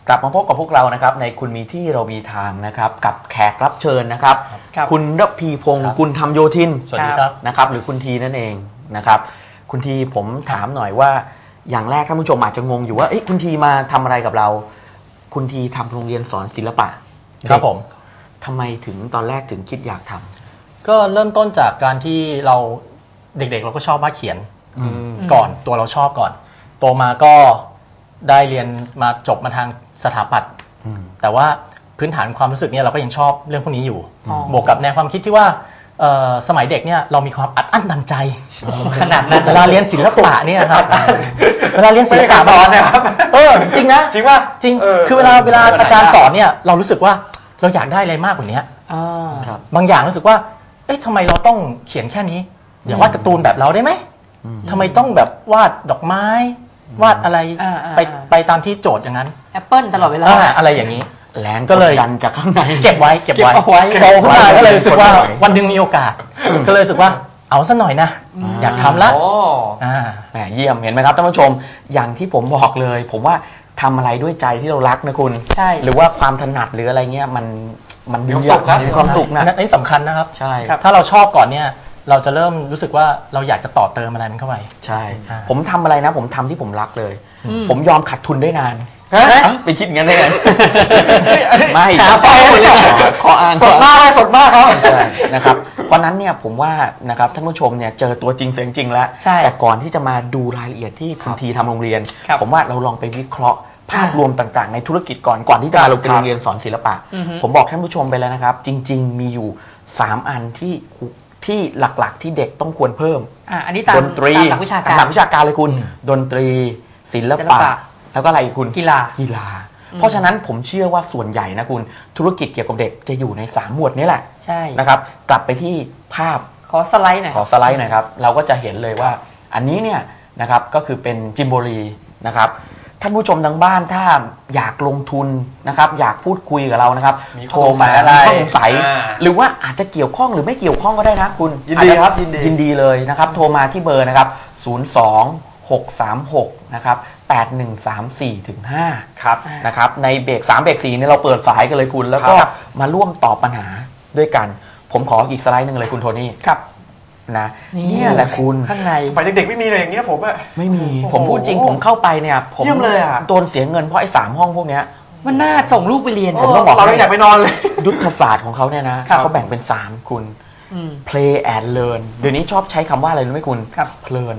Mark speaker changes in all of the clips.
Speaker 1: กลับมาพบกับพวกเรานะครับในคุณมีที่เรามีทางนะครับกับแขกรับเชิญนะครับคุณระพีพงศ์กุลธรรมโยธิน
Speaker 2: สวัสดีครับ
Speaker 1: นะครับหรือคุณทีนั่นเองนะครับคุณทีผมถามหน่อยว่าอย่างแรกท่านผู้ชมอาจจะงงอยู่ว่าคุณทีมาทำอะไรกับเราคุณทีทำโรงเรียนสอนศิลปะ
Speaker 2: ครับผม
Speaker 1: ทำไมถึงตอนแรกถึงคิดอยากทำ
Speaker 2: ก็เริ่มต้นจากการที่เราเด็กๆเราก็ชอบวาดเขียนก่อนตัวเราชอบก่อนโตมาก็ได้เรียนมาจบมาทางสถาปัตย์แต่ว่าพื้นฐานความรู้สึกเนี่ยเราก็ยังชอบเรื่องพวกนี้อยู่บวกกับแนวความคิดที่ว่าสมัยเด็กเนี่ยเรามีความอัดอั้นตันใจขนาดนั้นเวลาเรียนศิลปะเนี่ยครับเวลาเรียนศิลปะ
Speaker 1: สอนนะครับ
Speaker 2: จริงนะ
Speaker 1: จริงว่า
Speaker 2: จริงคือเวลาอาจารย์สอนเนี่ยเรารู้สึกว่าเราอยากได้อะไรมากกว่านี้บางอย่างรู้สึกว่าเอ๊ะทำไมเราต้องเขียนแค่นี้อย่าวาดการ์ตูนแบบเราได้ไหมทำไมต้องแบบวาดดอกไม้วาดอะไรไปตามที่โจทย์อย่างนั้น
Speaker 3: แอปเปิลตลอดเวลา
Speaker 2: อะไรอย่างนี้
Speaker 1: แรงก็เลยยันจากข้างใน
Speaker 2: เก็บไว้โตขึ้นมาก็เลยรู้สึกว่าวันหนึ่งมีโอกาสก็เลยรู้สึกว่าเอาซะหน่อยนะอยากทำละ
Speaker 1: แหมเยี่ยมเห็นไหมครับท่านผู้ชมอย่างที่ผมบอกเลยผมว่าทำอะไรด้วยใจที่เรารักนะคุณ
Speaker 3: ใช่
Speaker 1: หรือว่าความถนัดหรืออะไรเงี้ยมัน
Speaker 2: มีความสุขนะนี่สำคัญนะครับ
Speaker 1: ใช่
Speaker 2: ถ้าเราชอบก่อนเนี่ยเราจะเริ่มรู้สึกว่าเราอยากจะต่อเติมอะไรมันเข้าไป
Speaker 1: ใช่ผมทำอะไรนะผมทำที่ผมรักเลยผมยอมขาดทุนได้นานไปคิดงั้นได้ไงไม่ขออ่าน
Speaker 2: สดมากครับ
Speaker 1: นะครับเพราะนั้นเนี่ยผมว่านะครับท่านผู้ชมเนี่ยเจอตัวจริงเสียงจริงแล้วแต่ก่อนที่จะมาดูรายละเอียดที่คุณทีทำโรงเรียนผมว่าเราลองไปวิเคราะห์ภาพรวมต่างๆในธุรกิจก่อนที่จะมาลงเป็นโรงเรียนสอนศิลปะผมบอกท่านผู้ชมไปแล้วนะครับจริงๆมีอยู่3อันที่หลักๆที่เด็กต้องควรเพิ่ม
Speaker 3: อันนี้ตาม
Speaker 1: ดนตรี
Speaker 3: หลักวิชาการ
Speaker 1: หลักวิชาการเลยคุณดนตรีศิลปะแล้วก็อะไรอีกคุณ
Speaker 3: กีฬา
Speaker 1: เพราะฉะนั้นผมเชื่อว่าส่วนใหญ่นะคุณธุรกิจเกี่ยวกับเด็กจะอยู่ใน3หมวดนี้แหละ
Speaker 3: ใช่
Speaker 1: นะครับกลับไปที่ภาพ
Speaker 3: ขอสไลด์หน่อย
Speaker 1: ครับเราก็จะเห็นเลยว่าอันนี้เนี่ยนะครับก็คือเป็นจิมโบรีนะครับท่านผู้ชมทางบ้านถ้าอยากลงทุนนะครับอยากพูดคุยกับเรานะครับโทรมาข้อสงสัยหรือว่าอาจจะเกี่ยวข้องหรือไม่เกี่ยวข้องก็ได้นะคุณ
Speaker 2: ยินดีครับ
Speaker 1: ยินดีเลยนะครับโทรมาที่เบอร์นะครับ02-636นะครับ8134ถึง5
Speaker 2: ครับ
Speaker 1: นะครับในเบรก3เบรก4เนี่ยเราเปิดสายกันเลยคุณแล้วก็มาร่วมตอบปัญหาด้วยกันผมขออีกสไลด์นึงเลยคุณโทนี่
Speaker 3: ครับ
Speaker 1: นะนี่แหละคุณ
Speaker 3: ข้างใน
Speaker 2: สมัยเด็กๆไม่มีอะไรอย่างเงี้ยผมอะ
Speaker 1: ไม่มีผมพูดจริงผมเข้าไปเนี่ยผมโดนเสียเงินเพราะไอ้3ห้องพวกเนี้ย
Speaker 3: มันน่าส่งลูกไปเรียน
Speaker 1: ผมต้องบอก
Speaker 2: เราอยากไปนอนเลย
Speaker 1: ยุทธศาสตร์ของเขาเนี่ยนะเขาแบ่งเป็น3คุณplay and learn เดี๋ยวนี้ชอบใช้คำว่าอะไรรู้ไหมคุณเพลิน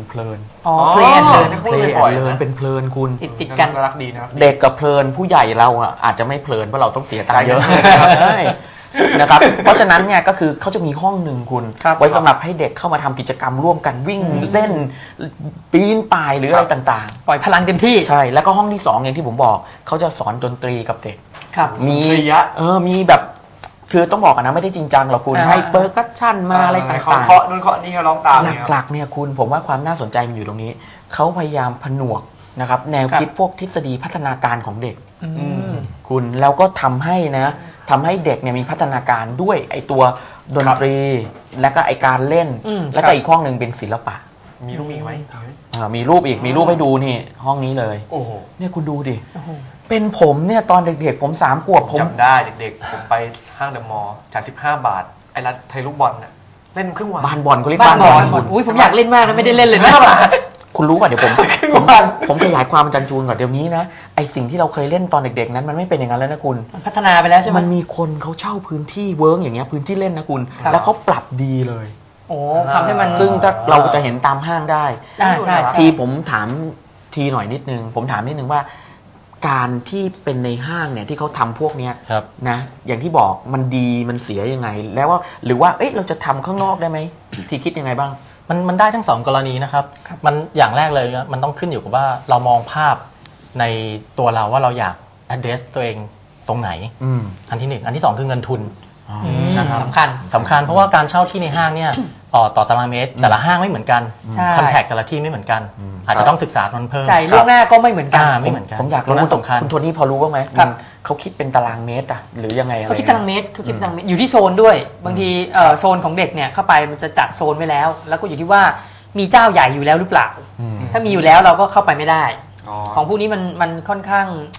Speaker 3: play and learn
Speaker 1: เป็นเพลินคุณ
Speaker 3: ติดกัน
Speaker 2: รักดีนะ
Speaker 1: เด็กกับเพลินผู้ใหญ่เราอาจจะไม่เพลินเพราะเราต้องเสียตังค์เยอะนะครับเพราะฉะนั้นเนี่ยก็คือเขาจะมีห้องหนึ่งคุณไว้สำหรับให้เด็กเข้ามาทำกิจกรรมร่วมกันวิ่งเล่นปีนป่ายหรืออะไรต่าง
Speaker 3: ๆปล่อยพลังเต็มที่
Speaker 1: ใช่แล้วก็ห้องที่2อย่างที่ผมบอกเขาจะสอนดนตรีกับเด็กมีแบบคือต้องบอกกันนะไม่ได้จริงจังหรอกคุณให้เปอร์คัชชั่นมาอะไรต่างๆ
Speaker 2: เคาะนู่นเคาะนี่เขาร้องตาม
Speaker 1: หลักๆเนี่ยคุณผมว่าความน่าสนใจมันอยู่ตรงนี้เขาพยายามผนวกนะครับแนวคิดพวกทฤษฎีพัฒนาการของเด็กคุณแล้วก็ทำให้เด็กเนี่ยมีพัฒนาการด้วยไอตัวดนตรีและก็ไอการเล่นแล้วก็อีกห้องหนึ่งเป็นศิลปะ
Speaker 2: มีรูปอีกไหม
Speaker 1: มีรูปให้ดูนี่ห้องนี้เลย
Speaker 2: โอ้โห
Speaker 1: เนี่ยคุณดูดิเป็นผมเนี่ยตอนเด็กๆผม3 ขวบผม
Speaker 2: จำได้เด็กๆผมไปห้างเดอะมอลล์จ่าย15 บาทไอ้รัฐไทยลูกบอลน่ะเล่นครึ่งวัน
Speaker 1: บ้านบอลเขาเรียก
Speaker 3: บ้านบอลอุ้ยผมอยากเล่นมากนะไม่ได้เล่นเลยนะ
Speaker 1: คุณรู้ป่ะเดี๋ยวผมขยายความอาจารย์จูนก่อนเดี๋ยวนี้นะไอสิ่งที่เราเคยเล่นตอนเด็กๆนั้นมันไม่เป็นอย่างนั้นแล้วนะคุณ
Speaker 3: พัฒนาไปแล้วใช่ไหม
Speaker 1: มันมีคนเขาเช่าพื้นที่เวิร์กอย่างเงี้ยพื้นที่เล่นนะคุณแล้วเขาปรับดีเลย
Speaker 3: โอ้ทำให้มัน
Speaker 1: ซึ่งถ้าเราจะเห็นตามห้างได้
Speaker 3: ใช่
Speaker 1: ทีผมถามทีหน่อยนิดนึงผมถามนิดนึงว่าการที่เป็นในห้างเนี่ยที่เขาทำพวกเนี้ยนะอย่างที่บอกมันดีมันเสียยังไงแล้วว่าหรือว่าเราจะทำข้างนอกได้ไหมทีคิดยังไงบ้าง
Speaker 2: มันได้ทั้ง2กรณีนะครับมันอย่างแรกเลยมันต้องขึ้นอยู่กับว่าเรามองภาพในตัวเราว่าเราอยาก address ตัวเองตรงไหนอันที่1อันที่2คือเงินทุน
Speaker 3: นะครับสำ
Speaker 2: คัญเพราะว่าการเช่าที่ในห้างเนี่ยต่อตารางเมตรแต่ละห้างไม่เหมือนกันคอนแทคแต่ละที่ไม่เหมือนกันอาจจะต้องศึกษามันเพิ่ม
Speaker 3: จ่ายล่วงหน้าก็ไม่เหมือนกัน
Speaker 1: ผมอยากรู้คุณโทนี่พอรู้บ้างไหมเขาคิดเป็นตารางเมตรอะหรือยังไงอะไร
Speaker 3: เขาคิดตารางเมตรอยู่ที่โซนด้วยบางทีโซนของเด็กเนี่ยเข้าไปมันจะจัดโซนไว้แล้วแล้วก็อยู่ที่ว่ามีเจ้าใหญ่อยู่แล้วหรือเปล่าถ้ามีอยู่แล้วเราก็เข้าไปไม่ได้ของพวกนี้มันค่อนข้าง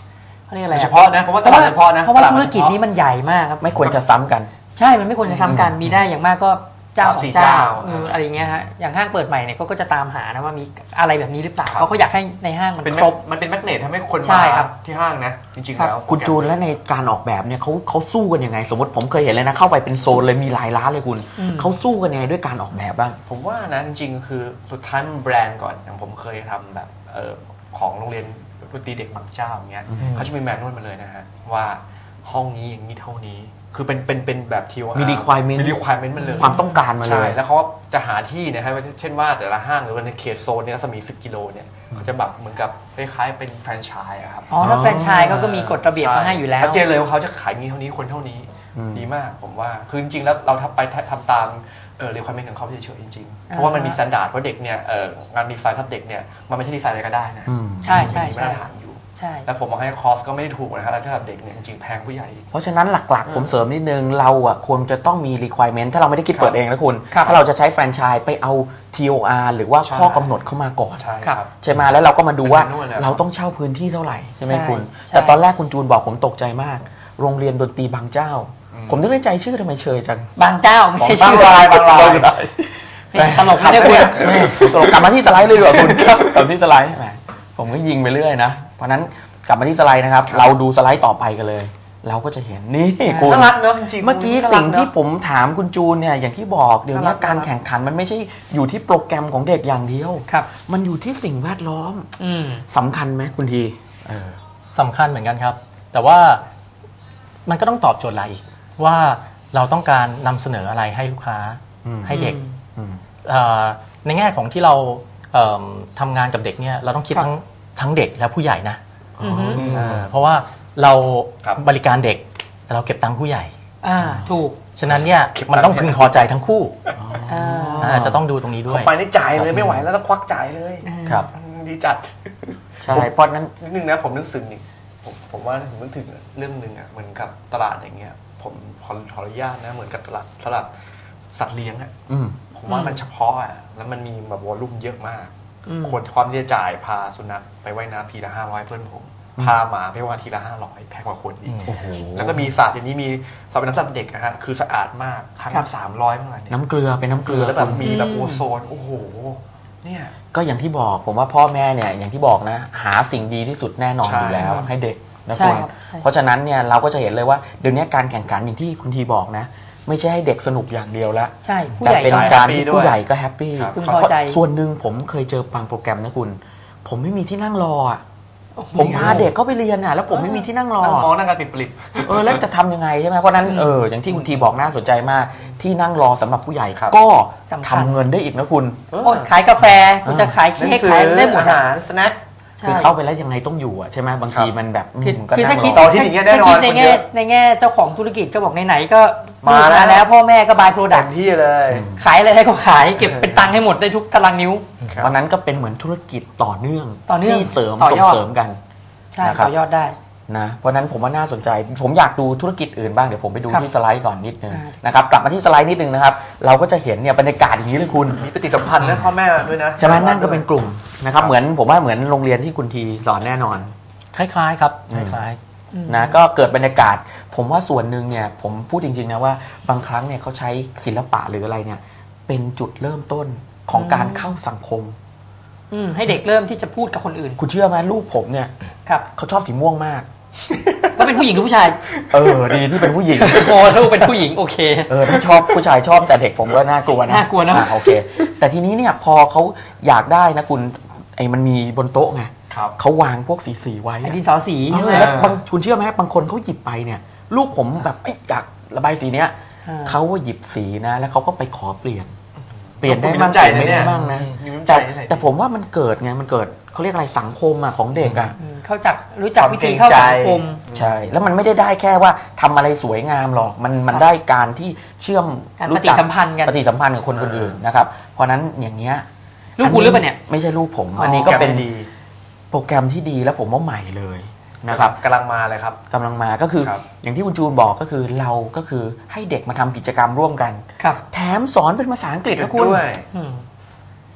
Speaker 3: เขาเรียกอะไร
Speaker 4: เฉพาะนะเพราะว่าตลาดเฉพาะนะ
Speaker 3: เพราะว่าธุรกิจนี้มันใหญ่มากครับ
Speaker 1: ไม่ควรจะซ้ำกัน
Speaker 3: ใช่ มันไม่ควรจะซ้ำกันมีได้อย่างมากก็เจ้า
Speaker 4: สาม
Speaker 3: สอ
Speaker 4: สี่
Speaker 3: งเจ้า
Speaker 4: เจ้า
Speaker 3: อะไรอย่างเงี้ยฮะอย่างห้างเปิดใหม่เนี่ยเขาก็จะตามหานะว่ามีอะไรแบบนี้หรือเปล่าเพราะเขาอยากให้ในห้างมัน
Speaker 4: เป็น
Speaker 3: ครบ
Speaker 4: มันเป็นแมกเนตทำให้คน
Speaker 3: ใช่
Speaker 4: มา
Speaker 3: ครับ
Speaker 4: ที่ห้างนะจริงๆ
Speaker 3: ครับ
Speaker 4: แล้ว
Speaker 1: คุณจูนและในการออกแบบเนี่ยเขาสู้กันยังไง สมมติผมเคยเห็นเลยนะเข้าไปเป็นโซนเลยมีหลายร้านเลยคุณเขาสู้กันยังไงด้วยการออกแบบบ้าง
Speaker 4: ผมว่านะจริงๆคือสุดท้ายมันแบรนด์ก่อนอย่างผมเคยทำแบบของโรงเรียนดนตรีเด็กบางเจ้าอย่างเงี้ยเขาจะมีแมนนวลมาเลยนะฮะว่าห้องนี้อย่างนี้เท่านี้คือเป็นแบบทีว่า
Speaker 1: มี requirement
Speaker 4: มี requirement มันเลย
Speaker 1: ความต้องการมาเล
Speaker 4: ใช่
Speaker 1: ย
Speaker 4: แล้วเขาจะหาที่นะครับเช่นว่าแต่ละห้างหรือว่าในเขตโซนเนี่ยรัศมี10 กิโลเนี่ยเขาจะแบบเหมือนกับคล้ายๆเป็นแฟรนไชส์อะครับ
Speaker 3: อ๋อถ้าแฟรนไชส์เขาก็มีกฎระเบียบมาให้อยู่แล้ว
Speaker 4: ชัดเจนเลยว่าเขาจะขายนี้เท่านี้คนเท่านี้ดีมากผมว่าคือจริงๆแล้วเราทำตามrequirement ของเขาเฉยๆจริงๆเพราะว่ามันมีมาตรฐานเพราะเด็กเนี่ยงานดีไซน์ทับเด็กเนี่ยมันไม่ใช่ดีไซน์อะไรก็ได้นะ
Speaker 3: ใช่ใช่
Speaker 4: มันมี
Speaker 3: ใช่
Speaker 4: มาตรฐานอยู่
Speaker 3: ใช่
Speaker 4: แล้วผมมองให้คอสก็ไม่ได้ถูกนะครับแล้วถ้าเด็กเนี่ยจริงๆแพงผู้ใหญ่อีก
Speaker 1: เพราะฉะนั้นหลักๆ ผมเสริมนิดนึงเราอ่ะควรจะต้องมี requirement ถ้าเราไม่ได้คิดเปิดเองนะคุณ
Speaker 3: ครับ
Speaker 1: ถ้าเราจะใช้แฟรนไชส์ไปเอา TOR หรือว่า
Speaker 4: ใช่
Speaker 1: ข้อกำหนดเข้ามาก่อน
Speaker 4: ใช่
Speaker 3: ครับ
Speaker 1: ใช่ไหมแล้วเราก็มาดูว่า
Speaker 4: เป็นแมนนวลเลยครับ
Speaker 1: เราต้องเช่าพื้นที่เท่าไหร่ใช่ไหม
Speaker 3: ใช่
Speaker 1: คุณ
Speaker 3: ใช่
Speaker 1: แต่ตอนแรกคุณจูนบอกผมตกใจมาก โรงเรียนดนตรีบางเจ้า ผมนึกในใจชื่อทำไมเชยจัง
Speaker 3: บางเจ้าไม่ใช่
Speaker 4: บาง
Speaker 3: ชื่อ
Speaker 4: รายบางราย
Speaker 3: ตลกไม่ได้คุณ
Speaker 1: ตลกกลับมาที่สไลด์เลยดีกว่าคุณครับกลับมาที่สไลด์แหมผมก็ยิงไปเรื่อยนะเพราะฉะนั้นกลับมาที่สไลด์นะครับเราดูสไลด์ต่อไปกันเลย เราก็จะเห็นนี่คุณ
Speaker 4: น่ารักเนอะจริงๆ
Speaker 1: เมื่อกี้
Speaker 4: น่ารัก
Speaker 1: สิ่งที่
Speaker 4: เนอะ
Speaker 1: ผมถามคุณจูนเนี่ยอย่างที่บอกเดี๋ยวนี้
Speaker 4: น่ารัก
Speaker 1: การแข่งขันมันไม่ใช่อยู่ที่โปรแกรมของเด็กอย่างเดียว
Speaker 3: ครับ
Speaker 1: มันอยู่ที่สิ่งแวดล้อม
Speaker 3: อืม
Speaker 1: สำคัญไหมคุณทีเออ
Speaker 2: สำคัญเหมือนกันครับ แต่ว่ามันก็ต้องตอบโจทย์อะไรอีกว่าเราต้องการนำเสนออะไรให้ลูกค้า
Speaker 1: อืม
Speaker 2: ให้เด็ก
Speaker 1: อืม
Speaker 2: ในแง่ของที่เราทำงานกับเด็กเนี่ยเราต้องคิด
Speaker 3: ครับ
Speaker 2: ทั้งเด็กและผู้ใหญ่นะ
Speaker 3: อือฮึ
Speaker 2: เพราะว่าเรา
Speaker 4: ครับ
Speaker 2: บริการเด็กแต่เราเก็บตังค์ผู้ใหญ่
Speaker 3: ถูก
Speaker 2: ฉะนั้นเนี่ย
Speaker 4: เก็บตังค์
Speaker 2: มันต้องพึงพอใจทั้งคู่
Speaker 3: อ่า
Speaker 2: จะต้องดูตรงนี้ด้ว
Speaker 4: เข้าย ไปนี่จ่ายเลยไม่ไหวแล้วต้องควักจ่ายเลย
Speaker 1: ครับ
Speaker 4: ดีจัด
Speaker 1: ใช่เพราะนั้น
Speaker 4: นิดนึงนะผมนึกถึงนี่ผมว่าผมนึกถึงเรื่องหนึ่งอ่ะเหมือนกับตลาดอย่างเงี้ยผมขออนุญาตนะเหมือนกับตลาดสัตว์เลี้ยงอ่ะ
Speaker 1: อืม
Speaker 4: ผมว่ามันเฉพาะอ่ะแล้วมันมีแบบวอลลุ่มเยอะมาก
Speaker 3: อืม
Speaker 4: คนความที่จะจ่ายพาสุนัขไปว่ายน้ำทีละ500เพื่อนผม พาหมาไปว่ายทีละ500แพงกว่าคนอีก
Speaker 1: โอ้โห
Speaker 4: แล้วก็มีสระอย่างนี้มีสระเป็นน้ำสำหรับเด็กนะฮะคือสะอาดมากครั้ง
Speaker 3: ครั
Speaker 4: ละ
Speaker 3: บ
Speaker 4: 300เมื่อไหร่เนี่ย
Speaker 1: น้ำเกลือเป็นน้ำเกลือ
Speaker 4: แล้วแบบมีแบบ
Speaker 3: อืม
Speaker 4: โอโซนโอ้โหเนี่ย
Speaker 1: ก็อย่างที่บอกผมว่าพ่อแม่เนี่ยอย่างที่บอกนะ หาสิ่งดีที่สุดแน่นอน
Speaker 4: ใช่
Speaker 1: อยู่แล้วให้เด็กนะ
Speaker 3: ใช่
Speaker 1: คุณ
Speaker 3: ครับใช่
Speaker 1: เพราะฉะนั้นเนี่ยเราก็จะเห็นเลยว่าเดี๋ยวนี้การแข่งขันอย่างที่คุณทีบอกนะ ไม่ใช่ให้เด็กสนุกอย่างเดียวละ
Speaker 3: ใช่ผู้
Speaker 1: แต่
Speaker 3: ใหญ่
Speaker 1: เป็น
Speaker 3: ก็
Speaker 1: การที่ผู้ใหญ่ก็แฮปปี้
Speaker 4: ครับ
Speaker 3: พึงพอใจ
Speaker 1: ส่วนหนึ่งผมเคยเจอบางโปรแกรมนะคุณ ผมไม่มีที่นั่งรออ่ะ
Speaker 3: โอ้โห
Speaker 1: ผมพาเด็กเข้าไปเรียนอ่ะแล้วผมไม่มีที่นั่งรอ
Speaker 4: นั่งมองนั่งการปิดปลิบ
Speaker 1: แล้วจะทำยังไงใช่ไหมเพราะฉะนั้นอย่างที่คุณทีบอกน่าสนใจมากที่นั่งรอสำหรับผู้ใหญ่
Speaker 4: ครับ
Speaker 1: ก็
Speaker 3: สำคัญ
Speaker 1: ทำเงินได้อีกนะคุณ
Speaker 3: โอ้ยขายกาแฟคุณจะขาย
Speaker 4: หนัง
Speaker 3: เค้ก
Speaker 4: สือ
Speaker 3: ขายได้หมด
Speaker 4: อาหารสแน็ค
Speaker 3: ใช่
Speaker 1: คือเข้าไปแล้วยังไงต้องอยู่อ่ะใช่ไหมบางทีมันแบบ
Speaker 3: คือถ้าคิด
Speaker 4: เสาร์อาทิตย์อย่างเงี้ยแน่นอน
Speaker 3: ถ้าคิดใน
Speaker 4: คนเย
Speaker 3: แง่
Speaker 4: อะ
Speaker 3: ในแง่เจ้าของธุรกิจก็บอกไหนๆก็
Speaker 4: มาแล้ว
Speaker 3: แล้วพ่อแม่ก็บายโปรดั
Speaker 4: เต็
Speaker 3: ก
Speaker 4: ม
Speaker 3: ต์
Speaker 4: ที่เลย
Speaker 3: ขายอะไรได้ก็ขายเก็บเป็นตังค์ให้หมดได้ทุกตารางนิ้ว
Speaker 4: ครับ
Speaker 1: วันนั้นก็เป็นเหมือนธุรกิจต่อเนื่อง
Speaker 3: ต่อเนื่อง
Speaker 1: ที่เสริม
Speaker 3: ต่อ
Speaker 1: ส่
Speaker 3: ย
Speaker 1: ง
Speaker 3: อด
Speaker 1: เสริมกัน
Speaker 3: ใช่
Speaker 1: นะครับ
Speaker 3: ต่อยอดได้
Speaker 1: นะเพราะฉะนั้นผมว่าน่าสนใจ ผมอยากดูธุรกิจอื่นบ้างเดี๋ยวผมไปดู
Speaker 3: ครับ
Speaker 1: ที่สไลด์ก่อนนิดนึง
Speaker 3: อ่า
Speaker 1: นะครับกลับมาที่สไลด์นิดนึงนะครับเราก็จะเห็นเนี่ยบรรยากาศอย่างนี้เลยคุณ
Speaker 4: มีปฏิสัมพันธ์นะพ่อแม่ด้วยนะ
Speaker 1: ใช่ไหมนั่งก็เป็นกลุ่มนะครับเหมือนผมว่าเหมือนโรงเรียนที่คุณทีสอนแน่นอน
Speaker 2: คล้ายๆครับคล้าย
Speaker 1: นะก็เกิดบรรยากาศ ผมว่าส่วนหนึ่งเนี่ยผมพูดจริงๆนะว่าบางครั้งเนี่ยเขาใช้ศิลปะหรืออะไรเนี่ยเป็นจุดเริ่มต้นของการเข้าสังคม
Speaker 3: ให้เด็กเริ่มที่จะพูดกับคนอื่น
Speaker 1: คุณเชื่อไหมลูกผมเนี่ย
Speaker 3: ครับ
Speaker 1: เขาชอบสีม่วงมาก
Speaker 3: ก็เป็นผู้หญิงหรือผู้ชาย
Speaker 1: ดีที่เป็นผู้หญิง
Speaker 3: โอ้ลูกเป็นผู้หญิงโอเค
Speaker 1: ถ้าชอบผู้ชายชอบแต่เด็กผมก็น่ากลัวนะ
Speaker 3: น่ากลัวนะ
Speaker 1: โอเค แต่ทีนี้เนี่ยพอเขาอยากได้นะคุณไอ้มันมีบนโต๊ะไง
Speaker 4: ครับ
Speaker 1: เขาวางพวกสีไว้
Speaker 3: ไอ้
Speaker 1: อะ
Speaker 3: ดินสอสี
Speaker 1: แล้วบางคุณเชื่อไหมบางคนเขาหยิบไปเนี่ย ลูกผมแบบอยากระบายสีเนี้ย
Speaker 3: อ่า
Speaker 1: เขาก็หยิบสีนะแล้วเขาก็ไปขอเปลี่ยนได้
Speaker 4: มี
Speaker 1: บ้าง
Speaker 4: น้ำใจ
Speaker 1: เปลี่ยน
Speaker 4: นะ
Speaker 1: ไม่
Speaker 4: เนี่
Speaker 1: ได้
Speaker 4: ย
Speaker 1: บ้างนะ
Speaker 4: มีน้ำใจ
Speaker 1: แต่
Speaker 4: นะ
Speaker 1: แต่ผมว่ามันเกิดไงมันเกิดเขาเรียกอะไรสังคมอะของเด็กอะ
Speaker 3: เขาจักรู้จัก
Speaker 4: ความ
Speaker 3: วิธีเข้าสังคม
Speaker 1: ใช่ แล้วมันไม่ได้แค่ว่าทำอะไรสวยงามหรอกมันได้การที่เชื่อม
Speaker 3: การ
Speaker 1: รู้
Speaker 3: ปฏิ
Speaker 1: จัก
Speaker 3: สัมพันธ์กัน
Speaker 1: ปฏิสัมพันธ์กับคนคนอื่นนะครับเพราะนั้นอย่างเงี้ย
Speaker 3: ลูกคุณหรือเปล่าเนี่ย
Speaker 1: ไม่ใช่ลูกผม
Speaker 3: อ๋ออั
Speaker 1: อันนี้ก็เป็น
Speaker 4: แกรมดี
Speaker 1: โปรแกรมที่ดีแล้วผมว่าใหม่เลยนะครับ
Speaker 4: กำลังมาเลยครับ
Speaker 1: กำลังมาก็คือ
Speaker 4: ครับ
Speaker 1: อย่างที่คุณจูนบอกก็คือเราก็คือให้เด็กมาทำกิจกรรมร่วมกัน
Speaker 3: ครับ
Speaker 1: แถมสอนเป็นภาษาอังกฤษนะคุณ
Speaker 4: ด้วย
Speaker 3: อืม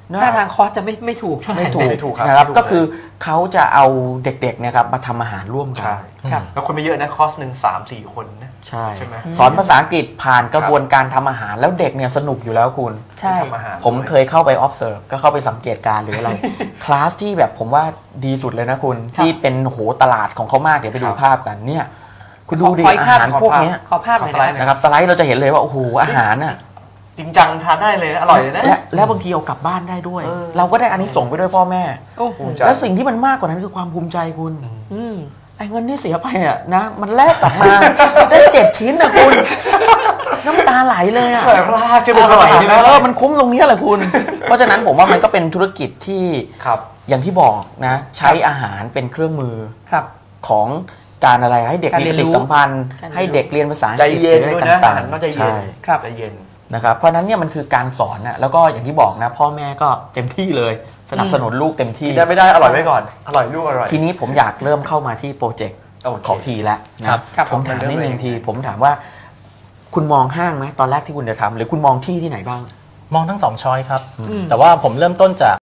Speaker 1: นะ
Speaker 3: ถ้าทางคอสจะไม่ถูกเท่าไหร่
Speaker 1: ไม่ถูก
Speaker 4: ครับ
Speaker 1: นะครับ
Speaker 4: ไม่ถูก
Speaker 1: ก็คือเขาจะเอาเด็กๆเนี่ยครับมาทำอาหารร่วมกัน
Speaker 4: ใช่
Speaker 3: ครับ
Speaker 4: แล้วคนไม่เยอะนะคอร์สหนึ่ง3-4 คนนะ
Speaker 1: ใช่
Speaker 4: ใช่ไหม
Speaker 1: สอนภาษาอังกฤษผ่านกระบวนการทำอาหารแล้วเด็กเนี่ยสนุกอยู่แล้วคุณ
Speaker 3: ใช่
Speaker 4: ทำอาหาร
Speaker 1: ผมเคยเข้าไป observe ก็เข้าไปสังเกตการณ์หรืออะไร คลาสที่แบบผมว่าดีสุดเลยนะคุณ ที่เป็นโหตลาดของเขามากเดี๋ยวไปดูภาพกันเนี่ย คุณดูดิ
Speaker 3: ขออีก
Speaker 1: อา
Speaker 3: ภาพ
Speaker 1: หารพวกเนี้ย
Speaker 3: ขอภาพหน่อย
Speaker 4: ขอสไลด์หน่อย
Speaker 1: นะครับสไลด์เราจะเห็นเลยว่าโอ้โหอาหารน่ะ
Speaker 4: จริงจังทานได้เลยนะอร่อยเลยนะ
Speaker 1: และบางทีเอากลับบ้านได้ด้วย
Speaker 4: เออ
Speaker 1: เราก็ได้อันนี้ส่งส์ไปด้วยพ่อแม่
Speaker 3: โอ้โห
Speaker 4: ภูมิใจ
Speaker 1: และสิ่งที่มันมากกว่านั้นคือความภูมิใจคุณ
Speaker 3: อืม
Speaker 1: ไอ้เงินที่เสียไปอ่ะนะมันแลกกลับมา ได้7 ชิ้นนะคุณ น้ำตาไหลเลยอ่ะ
Speaker 4: อร่อยพลาดใช่ไหม
Speaker 3: อร่อยใช่ไหม
Speaker 1: มันคุ้มตรงนี้แหละคุณ เพราะฉะนั้นผมว่ามันก็เป็นธุรกิจที่
Speaker 4: ครับ
Speaker 1: อย่างที่บอกนะ ใช้อาหารเป็นเครื่องมือ
Speaker 3: ครับ
Speaker 1: ของการอะไรให้เด็ก
Speaker 3: การ
Speaker 1: มี
Speaker 3: เรี
Speaker 1: ป
Speaker 3: ยนรู้
Speaker 1: ฏิสัมพันธ์
Speaker 3: การเรียนรู้
Speaker 1: ให้เด็กเรียนภาษาอัง
Speaker 4: ใจ
Speaker 1: กฤษ
Speaker 4: เย็น
Speaker 1: หรือ
Speaker 4: ด้วย
Speaker 1: อะไร
Speaker 4: นะ
Speaker 1: ต่าง
Speaker 4: ต้องใจเย็น
Speaker 1: ใช่
Speaker 3: ครับ
Speaker 4: ใจเย็น
Speaker 1: นะครับเพราะฉะนั้นเนี่ยมันคือการสอนนะแล้วก็อย่างที่บอกนะ พ่อแม่ก็เต็มที่เลย สนับสนุนลูกเต็มที่
Speaker 4: กินได้ไม่ได้อร่อยไว้ก่อน อร่อยลูกอร่อย
Speaker 1: ทีนี้ผมอยากเริ่มเข้ามาที่โปรเจกต์
Speaker 4: โอเค
Speaker 1: ของทีแล้วนะครับ ผมถามนิดนึงทีผมถามว่า คุณมองห้างไหมตอนแรกที่คุณจะทำหรือคุณมองที่ที่ไหนบ้าง
Speaker 2: มองทั้งสองช้อยครับ
Speaker 3: อืม
Speaker 2: แต่ว่าผมเริ่มต้นจาก